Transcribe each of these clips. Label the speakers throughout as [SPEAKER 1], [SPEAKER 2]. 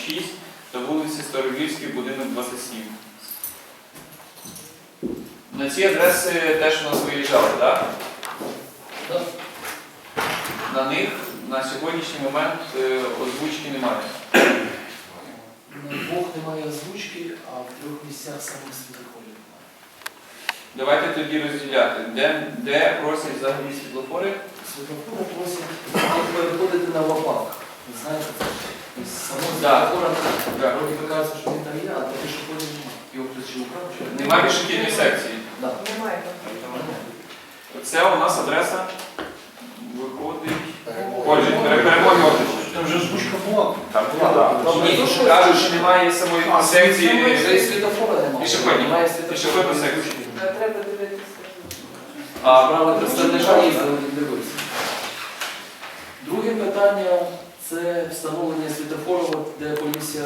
[SPEAKER 1] 6 та вулиці Старовільській, будинок 27. На ці адреси теж у нас виїжджали, так?
[SPEAKER 2] Так.
[SPEAKER 1] На них на сьогоднішній момент озвучки немає.
[SPEAKER 2] На двох немає озвучки, а в 3 місцях самих світлофорів немає.
[SPEAKER 1] Давайте тоді розділяти. Де просять взагалі світлофори?
[SPEAKER 2] Світлофори просять переходити на ВАПАК. Ви знаєте, це само
[SPEAKER 1] Да.
[SPEAKER 2] світлофора,
[SPEAKER 1] Да.
[SPEAKER 2] вроді кажеться, що він там є, а то пішоходів немає. Його хтось чи украв, чи
[SPEAKER 1] Немає пішохідної секції.
[SPEAKER 2] Да.
[SPEAKER 3] Немає.
[SPEAKER 1] Це у нас адреса виходить. Перемоги Оржича.
[SPEAKER 4] Там вже озвучка була.
[SPEAKER 1] Там
[SPEAKER 2] Ні,
[SPEAKER 1] кажуть, що немає самої секції
[SPEAKER 2] вже і світлофора немає.
[SPEAKER 1] Пішоходні.
[SPEAKER 2] Немає
[SPEAKER 1] Пішохідної
[SPEAKER 2] світлофора.
[SPEAKER 1] секції.
[SPEAKER 3] Треба дивитися.
[SPEAKER 1] А
[SPEAKER 2] Справа представника їздили, він дивився. Друге питання – це встановлення світлофору, де комісія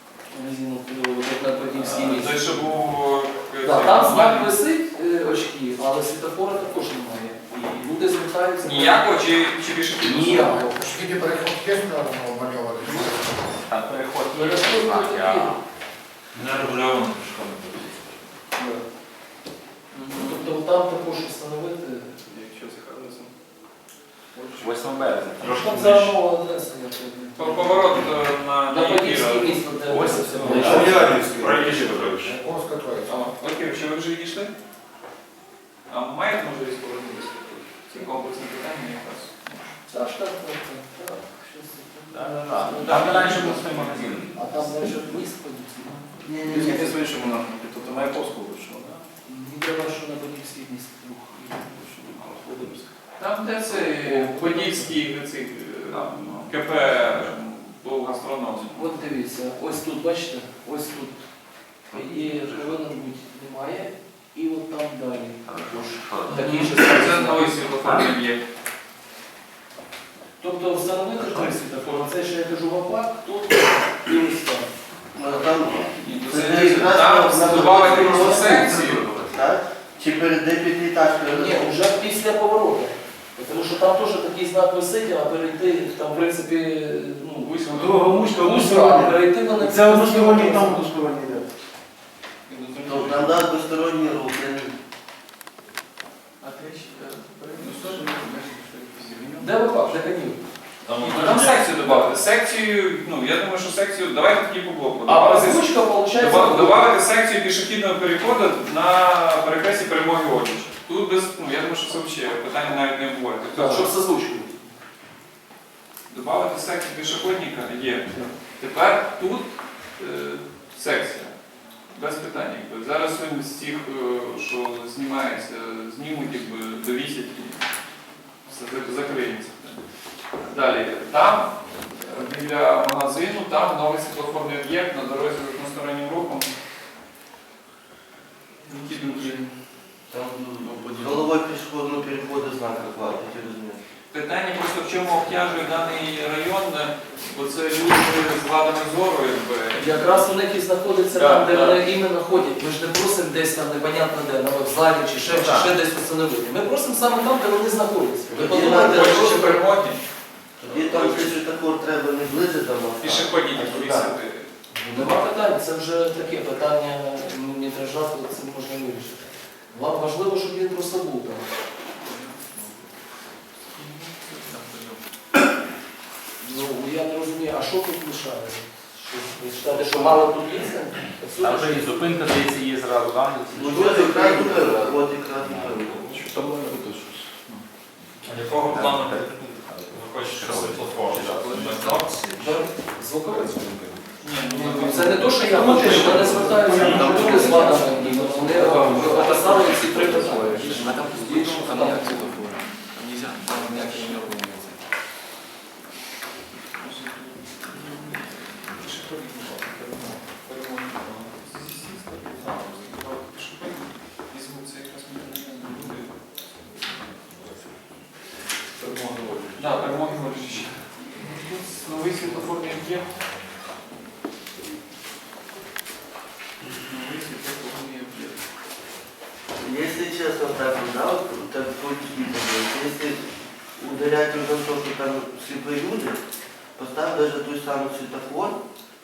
[SPEAKER 2] на Подільській місці.
[SPEAKER 1] той, що був...
[SPEAKER 2] Там знак висить очки, але світлофора також немає. І люди звертаються.
[SPEAKER 1] Ніякого чи пішохідного?
[SPEAKER 2] Ніякого.
[SPEAKER 5] Скільки переход є намальований?
[SPEAKER 4] Там переход є
[SPEAKER 2] Переход
[SPEAKER 4] знак,
[SPEAKER 2] є.
[SPEAKER 4] а не регульовано пішком.
[SPEAKER 2] Тобто там також встановити.
[SPEAKER 1] Якщо це адресом.
[SPEAKER 4] 8 березня. Трошки
[SPEAKER 2] Там
[SPEAKER 4] ближче.
[SPEAKER 2] за нова адреса. я певний.
[SPEAKER 1] Поворот на
[SPEAKER 2] На Подільській
[SPEAKER 1] Єгіра.
[SPEAKER 2] місто, де
[SPEAKER 4] Ось
[SPEAKER 2] це
[SPEAKER 4] це.
[SPEAKER 2] все.
[SPEAKER 4] Проїжджі Петрович.
[SPEAKER 5] Ковська троїця.
[SPEAKER 1] Окей, чи ви вже відійшли? А маєте можливість повернутися? Ці комплексні питання якраз.
[SPEAKER 2] Так, так. Щось таке.
[SPEAKER 4] Там раніше був свій магазин.
[SPEAKER 2] А там далі міст Подільський.
[SPEAKER 6] Тільки з іншому напрямку, тобто Маяковську вийшло, так?
[SPEAKER 2] Мені треба, що на Подільський міст рух.
[SPEAKER 1] Там де це Подільський цей, КП був гастроном.
[SPEAKER 2] От дивіться, ось тут, бачите, ось тут. І повинен бути немає. І от там далі. Такі ж
[SPEAKER 1] Це новий світлофорний об'єкт.
[SPEAKER 2] Тобто встановити три світлофори. Це ще я кажу ВАПАК, тут і ось там.
[SPEAKER 1] Там додавати просто секцію.
[SPEAKER 6] Так? Чи перед деп'ятиэтажкою?
[SPEAKER 2] Ні, вже після повороту. Тому що там теж такий знак висить, а перейти, там в принципі, ну, вузько, а перейти вони...
[SPEAKER 4] Це односторонній, там односторонній йде.
[SPEAKER 6] Тобто нам дасть двосторонній рух.
[SPEAKER 2] Де ВАПАК? Де канів?
[SPEAKER 1] Там секцію додати. Секцію, ну я думаю, що секцію, давайте тоді по блоку.
[SPEAKER 2] А озвучка, виходить...
[SPEAKER 1] Добавити секцію пішохідного переходу на перехресті Перемоги Оржича. Тут без, ну я думаю, що це взагалі питання навіть не обговорюється.
[SPEAKER 2] Так, щоб з озвучкою.
[SPEAKER 1] Добавити секцію пішохідника є. Тепер тут секція. Без питань. Якби. Зараз він з тих, що знімається, знімуть, якби, довісять і все закриється. Далі. Там, біля магазину, там новий світлофорний об'єкт на дорозі з одностороннім рухом.
[SPEAKER 6] Там головою пішохідного переходу знака хватить, я розумію.
[SPEAKER 1] Питання просто в чому обтяжує даний район, бо це люди з вадами зору, якби.
[SPEAKER 2] Якраз у них і знаходиться там, де вони іменно ходять. Ми ж не просимо десь там непонятно де, на вокзалі чи ще десь встановити. Ми просимо саме там, де вони знаходяться. Ви подумайте,
[SPEAKER 1] Хочете
[SPEAKER 2] що
[SPEAKER 1] перемоги,
[SPEAKER 6] Тоді там світлофор треба не ближче до моста.
[SPEAKER 1] пішохідні
[SPEAKER 6] а туди.
[SPEAKER 1] повісити.
[SPEAKER 2] нема питань, це вже таке питання метража, це можна вирішити. Важливо, щоб він просто був там. Ну, я не розумію, а що тут лишає? Ви читаєте, що мало тут місця?
[SPEAKER 4] Там вже і зупинка, здається, є зразу, там.
[SPEAKER 6] Ну от якраз купили, от якраз купили.
[SPEAKER 7] Якого плану ви хочете світлофор?
[SPEAKER 2] Звуковий? Це не те, що я хочу, що вони звертаються до люди з вадами, і вони описали ці три питання.
[SPEAKER 8] А там більше там ніяк світлофора. Там нельзя, там ніякі не робиться.
[SPEAKER 1] Да, Перемоги Оржича. Новий світлофорний об'єкт. Новий світлофорний об'єкт.
[SPEAKER 6] Если честно, так, да, вот так будет, если ударять уже то, что там слепые люди, поставь даже той самый светофор,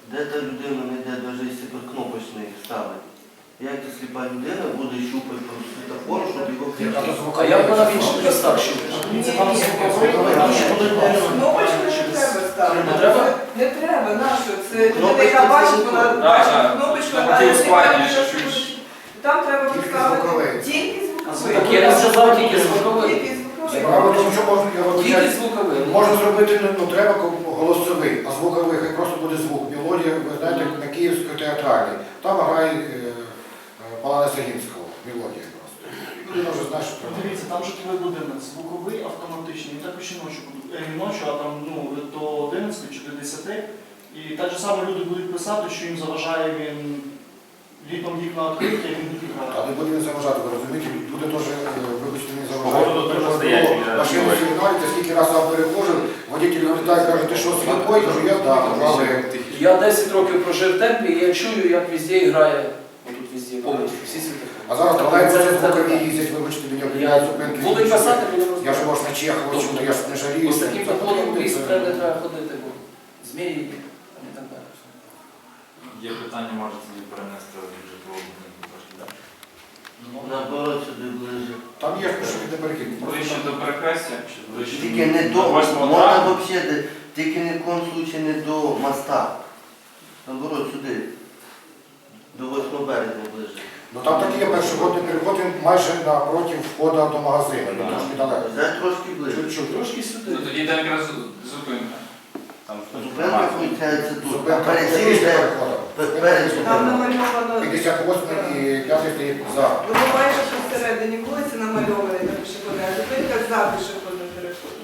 [SPEAKER 6] де та людина не йде навіть кнопочний ставить. Як та сліпа людина буде щупати по світофору, щоб його включити?
[SPEAKER 2] А як вона в інших містах щупить? Це там звуковий, там що буде
[SPEAKER 3] Кнопочку не треба ставити.
[SPEAKER 2] Не треба?
[SPEAKER 3] Не треба, нащо? Це людина, яка бачить, вона бачить кнопочку,
[SPEAKER 1] Там
[SPEAKER 3] а
[SPEAKER 1] ті
[SPEAKER 3] якщо
[SPEAKER 1] ускладнюєш,
[SPEAKER 3] вона
[SPEAKER 1] що ж.
[SPEAKER 3] там треба
[SPEAKER 5] Тільки
[SPEAKER 3] поставити
[SPEAKER 5] звуковий.
[SPEAKER 3] тільки звуковий.
[SPEAKER 2] Так я не сказав тільки звуковий.
[SPEAKER 3] Тільки звуковий.
[SPEAKER 5] Справа в тому, що можна його
[SPEAKER 2] Тільки звуковий.
[SPEAKER 5] можна зробити, ну треба голосовий, а звуковий, хай просто буде звук. Мелодія, ви знаєте, на Київській театральній. Там грає Палана Сагінського, мелодія просто. Людина вже знає, що треба.
[SPEAKER 9] Дивіться, там житловий будинок звуковий, автоматичний, він також і ночі будуть. Не ночі, а там до 11 чи до 10. І так же само люди будуть писати, що їм заважає він літом вікна відкриті, а він не
[SPEAKER 5] А
[SPEAKER 9] грає.
[SPEAKER 5] не буде він заважати, ви розумієте, буде теж, вибачте, не
[SPEAKER 4] Погода дуже стоять,
[SPEAKER 5] заважає. Машину сигналите, скільки разів я перехожу, водитель вилітає, каже, ти що, сліпой? Кажу, я так, але...
[SPEAKER 2] Я 10 років прожив в темпі, і я чую, як везде грає. Тут везде, повністю, всі світофори.
[SPEAKER 5] А зараз тролейбуси
[SPEAKER 2] Це
[SPEAKER 5] звукові їздять, вибачте, мене
[SPEAKER 2] Я
[SPEAKER 5] об'їжджають зупинки.
[SPEAKER 2] буду писати, будемо
[SPEAKER 5] Я ж
[SPEAKER 2] розмовляти.
[SPEAKER 5] ваш на Чехова, чому я ж не жалію.
[SPEAKER 2] Ось таким законом в лісі треба не треба ходити, бо змії і так далі.
[SPEAKER 7] Є питання, може тоді перенести житлового будинку трошки далі.
[SPEAKER 6] Наоборот, сюди ближче.
[SPEAKER 5] Там є пішохідний перехід.
[SPEAKER 1] Ближче до перехрестя.
[SPEAKER 7] Чи ближче
[SPEAKER 6] Тільки не до,
[SPEAKER 7] до 8
[SPEAKER 6] можна
[SPEAKER 7] травня?
[SPEAKER 6] взагалі, тільки ні в коєму случаї не до моста. Наоборот, сюди. До 8 березня ближче.
[SPEAKER 5] Ну там такий є пішохідний переход, він майже напроти входу до магазину, він трошки далеко.
[SPEAKER 6] Взяти трошки ближче.
[SPEAKER 5] Чуть-чуть.
[SPEAKER 2] Трошки сюди.
[SPEAKER 1] Ну тоді там якраз зупинка.
[SPEAKER 4] Там
[SPEAKER 6] Зупинка включається тут. А
[SPEAKER 5] Зупинка
[SPEAKER 6] перед цим
[SPEAKER 5] після
[SPEAKER 6] йде
[SPEAKER 5] переходу.
[SPEAKER 6] перед
[SPEAKER 3] Там
[SPEAKER 6] зупинкою.
[SPEAKER 3] намальовано.
[SPEAKER 5] 58 і 5 стоїть за.
[SPEAKER 3] Ви бачите, що всередині вулиці намальовані на пішохідний, а зупинка за пішохідним переходом.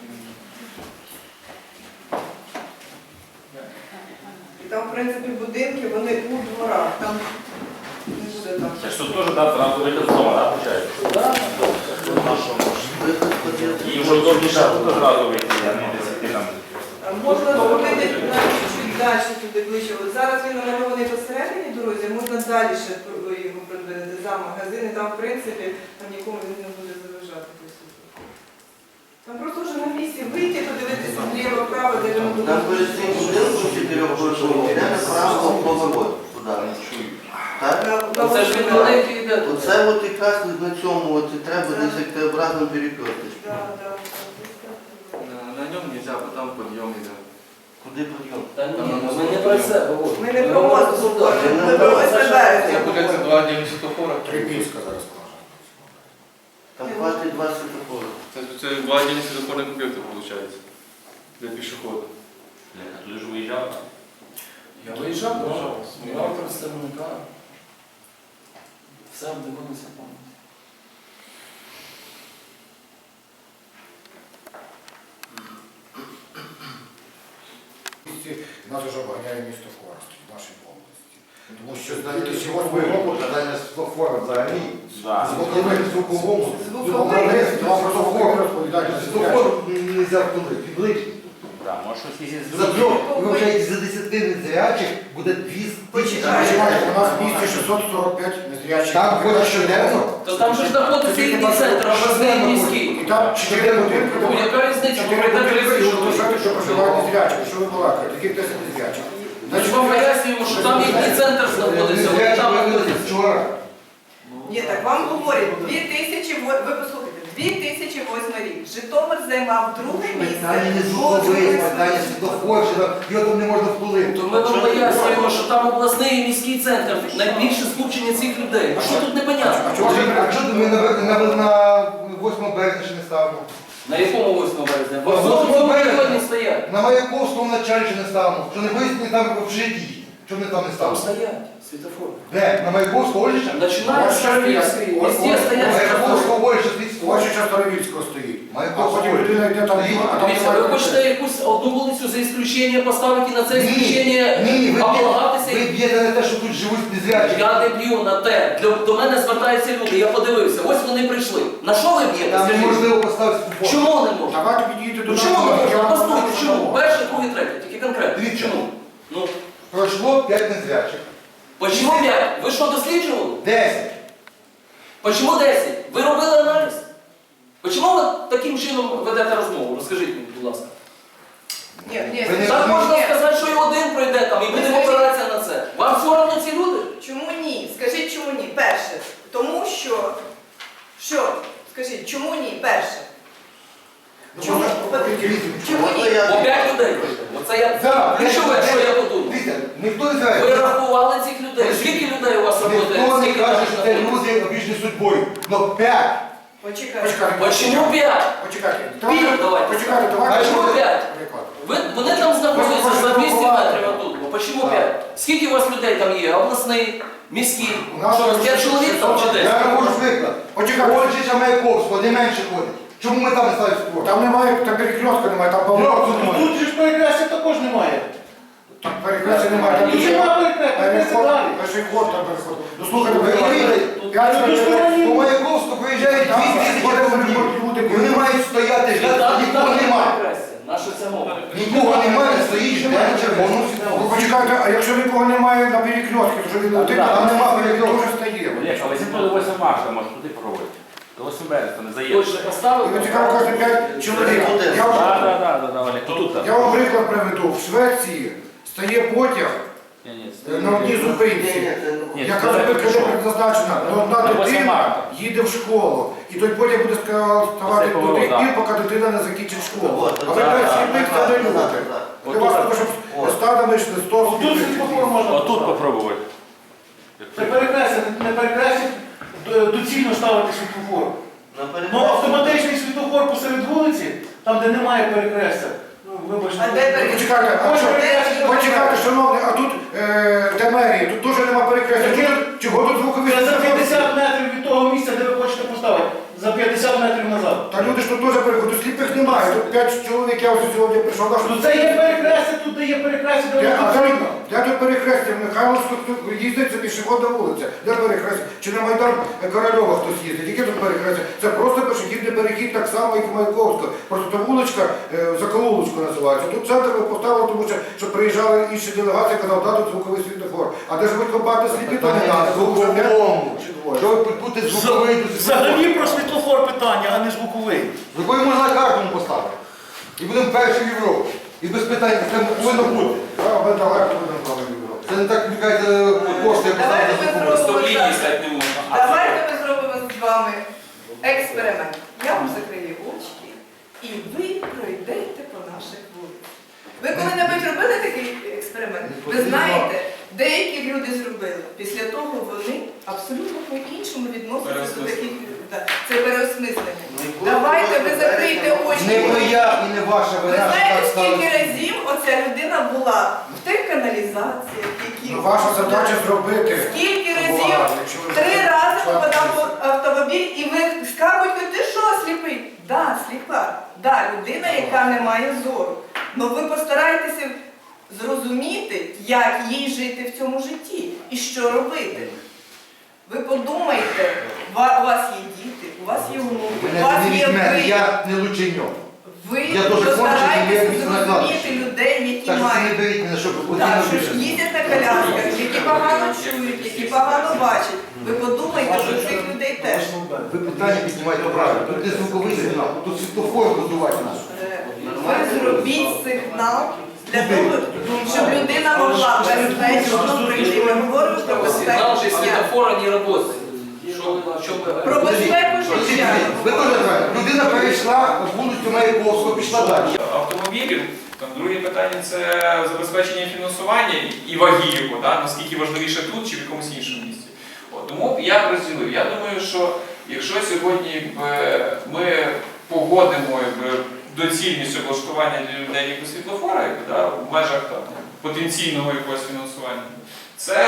[SPEAKER 3] І там, в принципі, будинки, вони у дворах, там не буде там.
[SPEAKER 4] Це ж тут теж зразу вихід з дому, так, виходить?
[SPEAKER 2] Так,
[SPEAKER 6] Виход ходити.
[SPEAKER 4] І вже удобніше тут зразу вийти, а не десь іти там.
[SPEAKER 3] Можна зробити навіть чуть далі туди ближче. От зараз він намальований посередині дорозі, можна далі ще його придбати за магазини, там, в принципі, там нікому він не буде заважати. Там просто вже на місці вийти, подивитися зліва, вправо, де він буде.
[SPEAKER 6] Там перед цим будинком 4-поверховим йде направо поворот туди.
[SPEAKER 3] На
[SPEAKER 2] це ж він великий йде.
[SPEAKER 6] Оце от якраз на цьому от і треба десь як Т-образно перекрутити.
[SPEAKER 8] На нем нельзя, бо там подъем идет.
[SPEAKER 6] Куди підйом?
[SPEAKER 2] Та ні, ми не про це говоримо.
[SPEAKER 3] Ми не про мост говоримо, ми про 8 березня.
[SPEAKER 8] Получается, два отдельных светофора.
[SPEAKER 5] Трипільська зараз скаже.
[SPEAKER 6] Там хватить 2 світофори.
[SPEAKER 8] Это два отдельных светофорных объекта получается. Для пешехода.
[SPEAKER 4] А туди ж виїжджав.
[SPEAKER 2] Я виїжджав, брав представника. Все обдивилося повністю.
[SPEAKER 5] Нас вже обганяє місто Коростень в нашій області. Тому що з
[SPEAKER 10] Питання
[SPEAKER 5] 2008 року
[SPEAKER 10] питання світлофора взагалі.
[SPEAKER 4] Так.
[SPEAKER 5] звуковий звуковому
[SPEAKER 3] Звуковий.
[SPEAKER 5] вам про звуковий розповідають на
[SPEAKER 10] Світлофор не можна вплинути, підличний.
[SPEAKER 4] Так, може щось є з
[SPEAKER 10] За трьох, ви вже за 10 незрячих буде 200 тисяч.
[SPEAKER 5] Почекайте, у нас в місті 645 незрячих.
[SPEAKER 10] Там ходять щоденно.
[SPEAKER 2] То там же ж знаходиться їхній центр, обласний і міський.
[SPEAKER 5] І там 4 будинки,
[SPEAKER 2] Ну, яка різниця, бо прийде 30 чоловік.
[SPEAKER 5] що проживають незрячих. Що ви балакаєте? Яких 10 незрячих?
[SPEAKER 2] Ми ж вам пояснюємо, що там їхній центр знаходиться, вони там знаходяться.
[SPEAKER 10] Вчора.
[SPEAKER 3] Ні, так вам говорять, ви послухайте, 2008 рік. Житомир займав друге
[SPEAKER 10] Питання не
[SPEAKER 3] місце.
[SPEAKER 10] звуковий, питання світлофор, що його там не можна вплинути.
[SPEAKER 2] То ми вам пояснюємо, що там обласний і міський центр, найбільше скупчення цих людей. А що тут непонятно?
[SPEAKER 10] А чого ми на 8 березня ще не ставимо?
[SPEAKER 2] На якому 8 березня? Бо в
[SPEAKER 10] Восьмого
[SPEAKER 2] цьому
[SPEAKER 10] березня.
[SPEAKER 2] районі стоять.
[SPEAKER 10] На Маяковському началі ще не ставимо. Що не вияснені там в житті. Що ми там не
[SPEAKER 2] Там
[SPEAKER 10] ставимо?
[SPEAKER 2] стоять світофори.
[SPEAKER 10] Де? На Маяковського Оліща?
[SPEAKER 2] Починають з Шарвівської, везде стоять світофори.
[SPEAKER 10] Маяковського Оліща світофор.
[SPEAKER 5] Ось час Старовільського стоїть. А
[SPEAKER 10] Маяковського
[SPEAKER 5] потім людина йде там, а там
[SPEAKER 2] Дивіться, ви хочете якусь одну вулицю за ісключення поставити і на це ісключення
[SPEAKER 10] Ні, ви
[SPEAKER 2] облагатися?
[SPEAKER 10] б'єте на те, що тут живуть незрячі.
[SPEAKER 2] Я не б'ю на те. До мене звертаються люди, я подивився. Ось вони прийшли. На що ви б'єте?
[SPEAKER 10] Там
[SPEAKER 2] Скажіть?
[SPEAKER 10] неможливо поставити світлофор.
[SPEAKER 2] Чому не можна?
[SPEAKER 5] Давайте підійдете до
[SPEAKER 2] Ну
[SPEAKER 5] нас.
[SPEAKER 2] чому не
[SPEAKER 5] я
[SPEAKER 2] можна?
[SPEAKER 5] вам
[SPEAKER 2] Постойте,
[SPEAKER 5] покажу,
[SPEAKER 2] чому?
[SPEAKER 5] чому.
[SPEAKER 2] Перший, другий, третій, тільки конкретно.
[SPEAKER 10] Дивіться.
[SPEAKER 2] Чому? Ну,
[SPEAKER 10] Пройшло 5 незрячих.
[SPEAKER 2] почему 5? Ви що, досліджували?
[SPEAKER 10] 10.
[SPEAKER 2] Почему 10? Ви робили аналіз? Почому ви таким чином ведете розмову? Розкажіть мені, будь ласка.
[SPEAKER 3] Ні,
[SPEAKER 10] Ви не
[SPEAKER 2] Так можна
[SPEAKER 10] розумієте.
[SPEAKER 2] сказати, що і один пройде там, і будемо Вам все одно ці люди?
[SPEAKER 3] Чому ні? Скажіть, чому ні? Перше. Тому що... Що? Скажіть, чому ні? Перше. Чому? Чому ні?
[SPEAKER 2] Бо 5 людей. Оце я...
[SPEAKER 10] Да,
[SPEAKER 2] Ну, що я подумав?
[SPEAKER 10] Дивіться, ніхто не знає.
[SPEAKER 2] Ви рахували цих людей? Скільки людей у вас працює?
[SPEAKER 10] Ніхто не
[SPEAKER 2] Скільки
[SPEAKER 10] каже,
[SPEAKER 2] там
[SPEAKER 10] що це люди обіжні судьбою. Но 5.
[SPEAKER 3] Почекайте.
[SPEAKER 2] Почему 5?
[SPEAKER 5] Почекайте.
[SPEAKER 2] Пів давайте.
[SPEAKER 5] Почекайте,
[SPEAKER 2] А
[SPEAKER 5] давайте.
[SPEAKER 2] чому 5?
[SPEAKER 5] Приклад.
[SPEAKER 2] Вони там знаходяться за 200 метрів отут. Ну, почему 5? Скільки у вас людей там є? Обласний, міський?
[SPEAKER 5] У нас
[SPEAKER 2] Що, 5 чоловік там чи 10?
[SPEAKER 10] Я можу приклад.
[SPEAKER 5] Почекайте.
[SPEAKER 10] Ольжича Маяковського, де менше ходять. Чому ми там не ставимо спорт?
[SPEAKER 5] Там немає, там перекрестка немає, там
[SPEAKER 10] Ну,
[SPEAKER 5] поворота немає.
[SPEAKER 9] Тут же ж перекрестя також немає.
[SPEAKER 5] Там перекрестка немає, там
[SPEAKER 9] Тут немає перекрестя далі.
[SPEAKER 5] перший ход там переход. Ну слухайте,
[SPEAKER 10] Ви розумієте? По Маяковську приїжджають 2000 автомобілів. І вони мають стояти, ждати, нікого немає.
[SPEAKER 2] Наша ця мова.
[SPEAKER 10] Нікого немає, стоїть, жде на червоному
[SPEAKER 5] Ну
[SPEAKER 10] світлофорі.
[SPEAKER 5] почекайте, а якщо нікого немає на перекрестці, то що він один, там нема перекрестка, дуже стає.
[SPEAKER 4] Олег, а ви до 8 марта може туди проводити. До 8 березня не заїдете.
[SPEAKER 2] Точно поставив?
[SPEAKER 5] І ви цікаво кожен 5 чоловік. Я вам-
[SPEAKER 4] Так, Олег, тут.
[SPEAKER 5] Я вам приклад приведу. В Швеції стає потяг на одній зупинці. Яка зупинка не предназначена, але одна
[SPEAKER 4] На 8
[SPEAKER 5] дитина
[SPEAKER 4] марта.
[SPEAKER 5] їде в школу. І той потяг буде ставати
[SPEAKER 4] Це
[SPEAKER 5] до тих
[SPEAKER 4] так.
[SPEAKER 5] пір, поки дитина не закінчить школу.
[SPEAKER 6] От,
[SPEAKER 5] А ви
[SPEAKER 6] так,
[SPEAKER 5] кажете,
[SPEAKER 6] так,
[SPEAKER 5] сліпих
[SPEAKER 6] так,
[SPEAKER 5] це не
[SPEAKER 6] так,
[SPEAKER 5] любите.
[SPEAKER 6] так,
[SPEAKER 5] Для вас треба, щоб стадами йшли 100
[SPEAKER 9] Тут
[SPEAKER 5] сліпих.
[SPEAKER 9] світлофор можна
[SPEAKER 4] Отут
[SPEAKER 9] поставити.
[SPEAKER 4] попробувати.
[SPEAKER 9] Це перекрестя, не перекрестя, доцільно ставити світлофор.
[SPEAKER 6] Наперед.
[SPEAKER 9] Ну автоматичний світлофор посеред вулиці, там де немає перекрестя. Ну, вибачте.
[SPEAKER 3] А де перекрестя?
[SPEAKER 5] Почекайте, а що? Почекайте, шановні, а тут де мерія, тут теж нема перекрестя. Чого тут звукові?
[SPEAKER 9] Це за 50 метрів від того місця, де ви хочете поставити. За 50 метрів назад.
[SPEAKER 5] Та люди ж тут теж переходять, тут сліпих немає. Тут 5 чоловік, я ось сьогодні прийшов. кажу,
[SPEAKER 9] Ну це є перекрестя, тут де є перекрестя, де
[SPEAKER 5] Де,
[SPEAKER 9] воно
[SPEAKER 5] а де,
[SPEAKER 9] потрібно.
[SPEAKER 5] де тут перехрестя? В Михайловську тут їздить це пішохідна вулиця. Де перехрестя? Чи на Майдан Корольова хтось їздить? Яке тут перехрестя? Це просто пішохідний перехід так само, як у Маяковського. Просто та вуличка Заколулочка називається. Тут центр ви поставили, тому що приїжджали інші делегації, казав, да, тут звуковий світлофор. А де живуть компактно сліпі, то не треба.
[SPEAKER 10] Звуковому.
[SPEAKER 5] Чи двоє?
[SPEAKER 10] Що ви будете звуковий до
[SPEAKER 9] Взагалі про світлофор питання, а не звуковий.
[SPEAKER 10] Звуковий можна на карту поставити. І будемо перші в Європі. І без питань, це повинно бути.
[SPEAKER 5] А, ми далеко будемо з вами відбирати.
[SPEAKER 10] Це не так, мені кажуть, коштує
[SPEAKER 3] Давайте
[SPEAKER 10] поставити
[SPEAKER 3] ми
[SPEAKER 10] звуковий.
[SPEAKER 3] зробимо
[SPEAKER 1] Лінії
[SPEAKER 3] так.
[SPEAKER 1] стати не можна.
[SPEAKER 3] Давайте ми зробимо з вами експеримент. Я вам закрию очки і ви пройдете по наших вулицях. Ви коли-небудь робили такий експеримент? Ви знаєте, деякі люди зробили. Після того вони абсолютно по-іншому відносяться до таких. Так, це переосмислення. Давайте ви закрийте очі.
[SPEAKER 10] Не моя і не ваша
[SPEAKER 3] Ви
[SPEAKER 10] вина, що
[SPEAKER 3] знаєте,
[SPEAKER 10] так
[SPEAKER 3] скільки
[SPEAKER 10] сталося.
[SPEAKER 3] разів оця людина була в тих каналізаціях, які...
[SPEAKER 5] Ну, ваша задача зробити.
[SPEAKER 3] Скільки разів?
[SPEAKER 5] Увага, якщо ви-
[SPEAKER 3] 3 рази
[SPEAKER 5] член
[SPEAKER 3] попадав
[SPEAKER 5] комісії.
[SPEAKER 3] в автомобіль і ви скажете, ти що, сліпий? Да, сліпа. Да, людина, яка не має зору. Ну ви постарайтеся зрозуміти, як їй жити в цьому житті і що робити. Ви подумайте, у вас є діти, у вас є внуки, у
[SPEAKER 10] Мене
[SPEAKER 3] вас
[SPEAKER 10] не
[SPEAKER 3] є
[SPEAKER 10] візьме,
[SPEAKER 3] ви.
[SPEAKER 10] я не лученьок.
[SPEAKER 3] Ви
[SPEAKER 10] Я дуже кончений, я
[SPEAKER 3] постарайтеся
[SPEAKER 10] міцно
[SPEAKER 3] зрозуміти
[SPEAKER 10] накладуюся.
[SPEAKER 3] людей, які
[SPEAKER 10] Так що це не
[SPEAKER 3] мають.
[SPEAKER 10] беріть мене, щоб
[SPEAKER 3] Так,
[SPEAKER 10] постійно
[SPEAKER 3] що ж
[SPEAKER 10] більше.
[SPEAKER 3] їздять на колясках, які погано чують, які погано бачать. Ви подумайте про цих людей теж.
[SPEAKER 10] Ви питання піднімаєте правильно. Тут не звуковий сигнал, тут світлофор будувати наш.
[SPEAKER 3] Ви зробіть сигнал для того, щоб людина могла безпечно прийти. Ми говоримо про безпеку
[SPEAKER 2] Сигнал же
[SPEAKER 3] життя.
[SPEAKER 2] светофора не работает. Що ви
[SPEAKER 3] Про безпеку життя.
[SPEAKER 10] Ви теж правильно. Людина перейшла вулицю Маяковського, пішла далі.
[SPEAKER 1] Автомобілів, там друге питання це забезпечення фінансування і ваги його, да? Наскільки важливіше тут чи в якомусь іншому місці. От, тому я б розділив. Я думаю, що якщо сьогодні ми погодимо доцільність облаштування для людей якогось світлофора, да, в межах там, потенційного якогось фінансування, це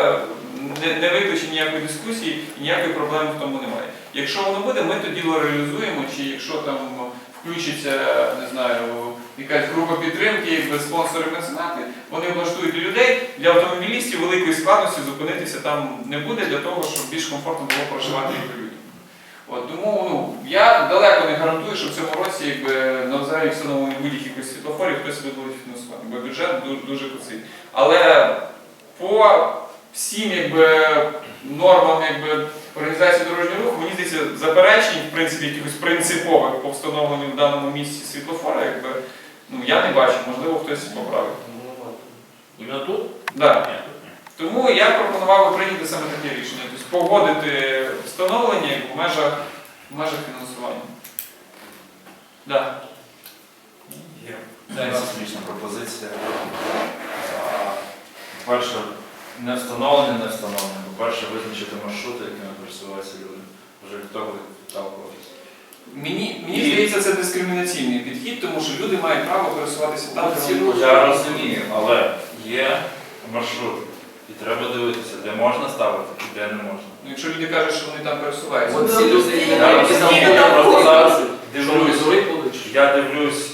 [SPEAKER 1] не викличе ніякої дискусії і ніякої проблеми в тому немає. Якщо воно буде, ми то діло реалізуємо, чи якщо там включиться, не знаю, якась група підтримки, якби спонсори меценати, вони облаштують для людей, для автомобілістів великої складності зупинитися там не буде, для того, щоб більш комфортно було проживати людям. От, тому я далеко не гарантую, що в цьому році на взагалі встановлені будь-яких світлофорів хтось буде фінансувати, бо бюджет дуже куций. Але по всім нормам організації дорожнього руху, мені здається, заперечень, в принципі, якихось принципових по встановленню в даному місці світлофора, я не бачу, можливо, хтось поправить.
[SPEAKER 4] Іменно тут?
[SPEAKER 1] Да.
[SPEAKER 4] Ні, тут ні.
[SPEAKER 1] Тому я пропонував би прийняти саме таке рішення, тобто погодити встановлення в межах фінансування. Да.
[SPEAKER 7] Є смішна пропозиція. По-перше, не встановлення. По-перше, визначити маршрути, якими пересуваються люди. Вже хто буде відталкуватися.
[SPEAKER 1] Мені здається, це дискримінаційний підхід, тому що люди мають право пересуватися там, де вони
[SPEAKER 7] Я розумію, але є маршрут. І треба дивитися, де можна ставити і де не можна.
[SPEAKER 1] Ну, якщо люди кажуть, що вони там пересуваються.
[SPEAKER 2] От всі люди, які
[SPEAKER 7] Я розумію, я просто зараз дивлюсь. Я дивлюсь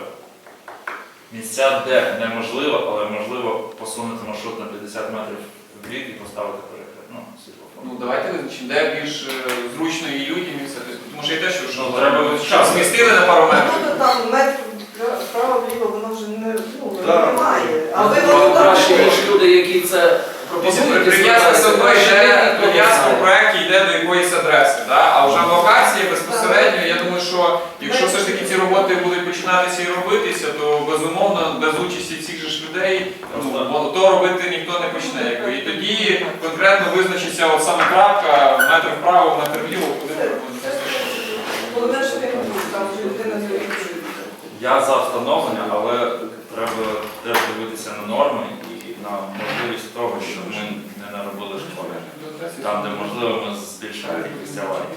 [SPEAKER 7] місця, де неможливо, але можливо посунути маршрут на 50 метрів в бік і поставити перехід. Ну, світлофор.
[SPEAKER 1] Ну, давайте визначимо, де більш зручно і людям і все. Тобто, тому що я те, що
[SPEAKER 7] Ну, треба
[SPEAKER 1] час змістили на пару метрів.
[SPEAKER 3] Ну, то там метр вправо-вліво, воно вже
[SPEAKER 10] Так.
[SPEAKER 3] немає. А ви воно там
[SPEAKER 2] Краще, ніж люди, які це пропонують.
[SPEAKER 1] Прив'язка все одно йде, прив'язка в проєкті йде до якоїсь адреси, да? А вже локації безпосередньо, я думаю, що якщо все ж таки ці роботи будуть починатися і робитися, то безумовно без участі цих же ж людей то робити ніхто не почне. І тоді конкретно визначиться от саме крапка, метр вправо, метр вліво, куди ми робимо.
[SPEAKER 3] головне, що він був, там вже людина зорієнтується.
[SPEAKER 7] Я за встановлення, але треба теж дивитися на норми і на можливість того, щоб ми не наробили школи. Там, де можливо, ми збільшимо кількість аварій.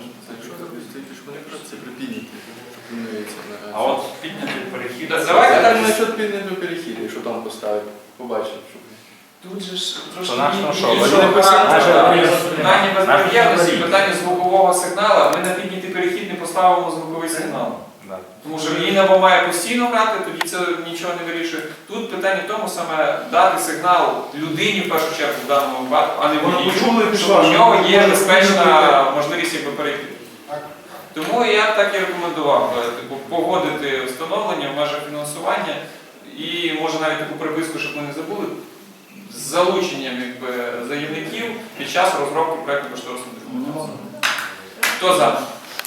[SPEAKER 8] Це при підняті.
[SPEAKER 7] А от підняти перехід.
[SPEAKER 1] Давайте
[SPEAKER 8] Так насчет підняти перехід, якщо там поставити, побачимо.
[SPEAKER 1] Тут же ж
[SPEAKER 7] То наш на що?
[SPEAKER 1] іншого
[SPEAKER 7] Вони
[SPEAKER 1] характеру.
[SPEAKER 7] писали,
[SPEAKER 1] Питання
[SPEAKER 7] наш
[SPEAKER 1] безперервності,
[SPEAKER 7] перехід.
[SPEAKER 1] питання звукового сигналу, ми на піднятий перехід не поставимо звуковий сигнал.
[SPEAKER 7] Да.
[SPEAKER 1] Тому що він або має постійно грати, тоді це нічого не вирішує. Тут питання в тому саме дати сигнал людині в першу чергу в даному випадку, а не водію, що в нього є безпечна можливість якби перейти. Тому я б так і рекомендував типу, погодити встановлення в межах фінансування і може навіть таку приписку, щоб ми не забули, з залученням якби, заявників під час розробки проєкту кошторисної документації. Хто за?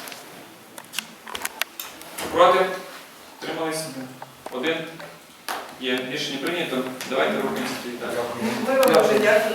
[SPEAKER 1] Проти? Трималися? Один? Є. Рішення прийнято. Давайте рухаємося.
[SPEAKER 3] Ми вам дуже дякуємо.